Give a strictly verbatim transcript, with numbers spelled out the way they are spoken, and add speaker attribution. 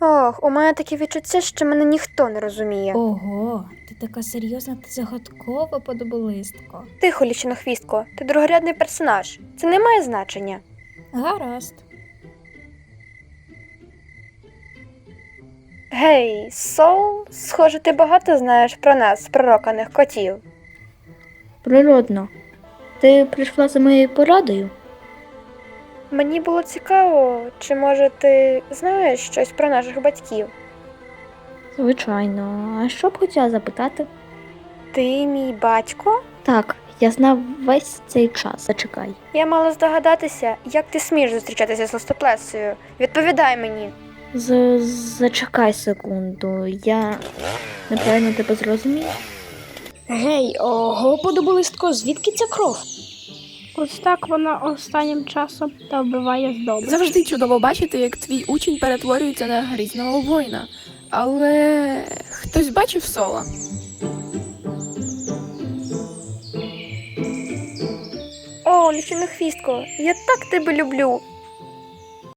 Speaker 1: Ох, у мене таке відчуття, що мене ніхто не розуміє.
Speaker 2: Ого, ти така серйозна та загадкова подоболистко.
Speaker 1: Тихо, лічинохвістко, ти другорядний персонаж. Це не має значення.
Speaker 2: Гаразд.
Speaker 1: Гей, Соул, схоже, ти багато знаєш про нас, пророканих котів.
Speaker 3: Природно. Ти прийшла за моєю порадою?
Speaker 1: Мені було цікаво, чи може ти знаєш щось про наших батьків?
Speaker 3: Звичайно. А що б хотіла запитати?
Speaker 1: Ти мій батько?
Speaker 3: Так, я знав весь цей час. Зачекай.
Speaker 1: Я мала здогадатися, як ти смієш зустрічатися з листоплесою. Відповідай мені.
Speaker 3: З Зачекай секунду. Я неправильно тебе зрозумів?
Speaker 4: Гей, ого, подобалистко, звідки ця кров? Ось так вона останнім часом та вбиває здобич.
Speaker 5: Завжди чудово бачити, як твій учень перетворюється на грізного воїна. Але хтось бачив Сола?
Speaker 1: О, лічинохвістко, я так тебе люблю.